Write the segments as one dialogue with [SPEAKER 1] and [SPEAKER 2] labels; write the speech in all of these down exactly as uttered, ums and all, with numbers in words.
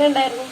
[SPEAKER 1] എങ്ങനെ ഉണ്ടായിരുന്നു?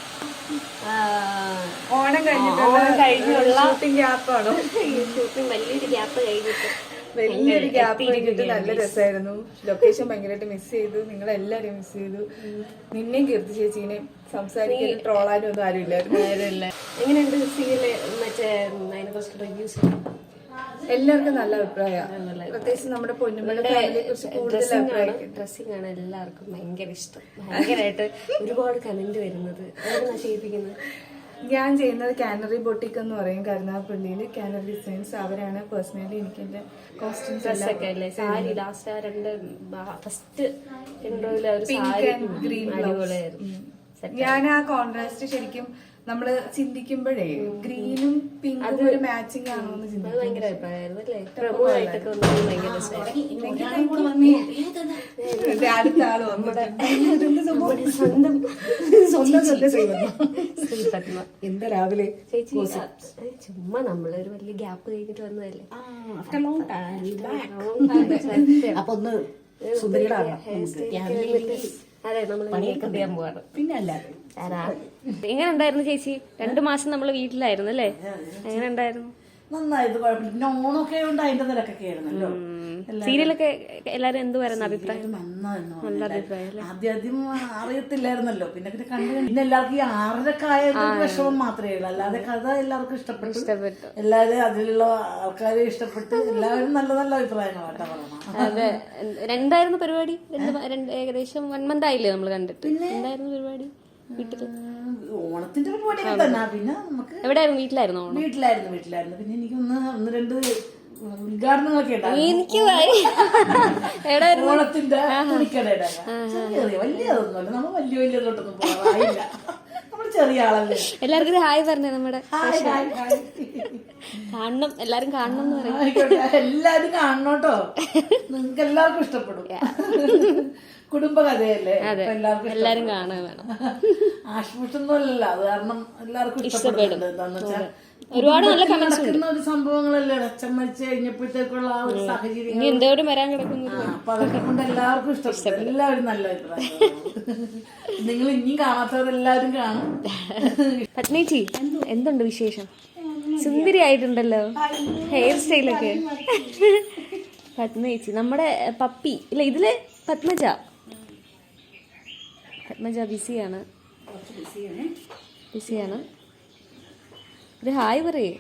[SPEAKER 2] ഓണം കഴിഞ്ഞിട്ടുള്ള
[SPEAKER 1] കഴിഞ്ഞുള്ള
[SPEAKER 2] ഷൂട്ടിംഗ് ഗ്യാപ്പാണോ?
[SPEAKER 1] ഷൂട്ടിംഗ് വലിയൊരു ഗ്യാപ്പ് കഴിഞ്ഞിട്ട്
[SPEAKER 2] വലിയൊരു ഗ്യാപ്പ് കഴിഞ്ഞിട്ട് നല്ല രസമായിരുന്നു. ലൊക്കേഷൻ ഭയങ്കരമായിട്ട് മിസ് ചെയ്തു. നിങ്ങളെല്ലാരും മിസ് ചെയ്തു. നിന്നെയും കീർത്തി ചേച്ചീനെയും സംസാരിക്കാനും ട്രോളാനും ഒന്നും ആരുമില്ലായിരുന്നു.
[SPEAKER 1] എങ്ങനെയുണ്ട് സീരിയല്? മറ്റേ അതിനെ കുറിച്ച് റിവ്യൂസ്
[SPEAKER 2] എല്ലാവർക്കും നല്ല അഭിപ്രായമാണ്. പ്രത്യേകിച്ച് നമ്മുടെ പൊന്നുമ്മയുടെ ഫാമിലിയെ കുറിച്ച് കൂടുതൽ അഭിപ്രായം.
[SPEAKER 1] ഡ്രസ്സിംഗ് ആണ് എല്ലാവർക്കും ഭയങ്കര ഇഷ്ടം. ഭയങ്കരമായിട്ട് ഒരുപാട് കമന്റ് വരുന്നത്. അതൊക്കെ ചെയ്യിപ്പിക്കുന്നത്
[SPEAKER 2] ഞാൻ ചെയ്യുന്നത് കാനറി ബൊട്ടിക് എന്ന് പറയും, കരുനാഗപ്പള്ളിയിൽ കാനറി ഡിസൈൻസ്. അവരാണ് പേഴ്സണലി എനിക്ക് എന്റെ കോസ്റ്റ്യൂംസ്
[SPEAKER 1] ഡ്രസ്സൊക്കെ അല്ലേ? സാരി ലാസ്റ്റ് ആ രണ്ട് ഫസ്റ്റ്
[SPEAKER 2] പിങ്ക് ആൻഡ് ഗ്രീൻ ഞാൻ ആ കോൺട്രാസ്റ്റ് ശരിക്കും നമ്മള് ചിന്തിക്കുമ്പോഴേ ഗ്രീനും പിങ്കും ഒരു മാച്ചിങ് ആണോ എന്ന് ചിന്തിക്കും.
[SPEAKER 1] ഭയങ്കര അഭിപ്രായമായിരുന്നു അല്ലേ? പ്രമുഖമായിട്ടൊക്കെ വന്നത് ഭയങ്കര
[SPEAKER 2] അടുത്ത ആള്
[SPEAKER 1] നമ്മുടെ സ്വന്തം
[SPEAKER 2] എന്താ രാവിലെ
[SPEAKER 1] ചേച്ചി ചുമ്മാ നമ്മളൊരു വലിയ ഗ്യാപ്പ് കഴിഞ്ഞിട്ട് വന്നതല്ലേ?
[SPEAKER 3] അപ്പൊ ഒന്ന് സുന്ദരികളാകാം.
[SPEAKER 1] അതെ, നമ്മൾ മേക്കപ്പ് ചെയ്യാൻ പോവാണ്.
[SPEAKER 3] പിന്നെ അല്ലാതെ
[SPEAKER 1] എങ്ങനെ ഉണ്ടായിരുന്നു ചേച്ചി? രണ്ടു മാസം നമ്മള് വീട്ടിലായിരുന്നു അല്ലേ? എങ്ങനെ ഉണ്ടായിരുന്നു?
[SPEAKER 3] നന്നായത്, കുഴപ്പമില്ല. പിന്നെ ഓണമൊക്കെ ഉണ്ട്, അതിന്റെ തിരക്കൊക്കെ ആയിരുന്നല്ലോ.
[SPEAKER 1] സീരിയലൊക്കെ എല്ലാരും എന്ത് പറയുന്ന അഭിപ്രായം?
[SPEAKER 3] നല്ല അഭിപ്രായം. ആദ്യം ആദ്യം അറിയത്തില്ലായിരുന്നല്ലോ, പിന്നെ പിന്നെ കണ്ടു. പിന്നെ എല്ലാവർക്കും ഈ ആറരക്ക് ആയ വിഷമം മാത്രമേ ഉള്ളൂ, അല്ലാതെ കഥ എല്ലാവർക്കും ഇഷ്ടപ്പെട്ടു. ഇഷ്ടപ്പെട്ടു എല്ലാവരും അതിലുള്ള ആൾക്കാരെ ഇഷ്ടപ്പെട്ടു. എല്ലാവരും നല്ല നല്ല അഭിപ്രായങ്ങളാട്ടാ പറയണം.
[SPEAKER 1] അതെ. എന്തായിരുന്നു പരിപാടി? ഏകദേശം വൺ മന്ത് ആയില്ലേ നമ്മൾ കണ്ടിട്ട്? എന്തായിരുന്നു പരിപാടി വീട്ടില്?
[SPEAKER 3] ഓണത്തിന്റെ പരിപാടിയൊക്കെ തന്നെ. പിന്നെ നമുക്ക്
[SPEAKER 1] എവിടെയായിരുന്നു? വീട്ടിലായിരുന്നു?
[SPEAKER 3] വീട്ടിലായിരുന്നു വീട്ടിലായിരുന്നു പിന്നെ എനിക്ക് ഒന്ന് ഒന്ന് രണ്ട് ഉദ്ഘാടനങ്ങളൊക്കെ
[SPEAKER 1] എനിക്ക്
[SPEAKER 3] ഓണത്തിന്റെ തുണിക്കടയുടെ ചെറിയ വലിയതൊന്നുമല്ല. നമ്മൾ വലിയ വലിയതോട്ടൊന്നും പോകാറില്ല. നമ്മൾ ചെറിയ ആളല്ലേ.
[SPEAKER 1] എല്ലാവർക്കും ഒരു ഹായ് പറഞ്ഞേ. നമ്മുടെ കാണണം, എല്ലാരും കാണണം എന്ന് പറയും.
[SPEAKER 3] എല്ലാരും കാണണോട്ടോ, നിങ്ങൾക്ക് എല്ലാവർക്കും ഇഷ്ടപ്പെടും. കുടുംബകഥയല്ലേ, എല്ലാവർക്കും
[SPEAKER 1] എല്ലാരും കാണാൻ വേണം.
[SPEAKER 3] ആശ്മൂഷൊന്നും അല്ലല്ലോ, അത് കാരണം എല്ലാവർക്കും ഇഷ്ടപ്പെടുന്നുണ്ട്. എന്താന്ന് വെച്ചാൽ
[SPEAKER 1] ഒരുപാട് നല്ല
[SPEAKER 3] നടക്കുന്ന ഒരു സംഭവങ്ങളല്ലേ. അച്ഛൻ മരിച്ചു കഴിഞ്ഞപ്പോഴത്തേക്കുള്ള ആ ഒരു സാഹചര്യം
[SPEAKER 1] എന്തോരം വരാൻ കിടക്കുന്നു.
[SPEAKER 3] അപ്പൊ അതൊക്കെ കൊണ്ട് എല്ലാവർക്കും ഇഷ്ടപ്പെട്ടു. എല്ലാവരും നല്ല അഭിപ്രായം. നിങ്ങൾ ഇനിയും കാണാത്തവരെല്ലാവരും കാണും.
[SPEAKER 1] പത്മേച്ചി, എന്തുണ്ട് വിശേഷം? സുന്ദരി ആയിട്ടുണ്ടല്ലോ, ഹെയർ സ്റ്റൈലൊക്കെ. പത്മേച്ചി നമ്മുടെ പപ്പി ഇല്ല, ഇതില് പത്മജ. പത്മജ ബിസിയാണ് ബിസിയാണ് ഒരു ഹായ് പറയേ.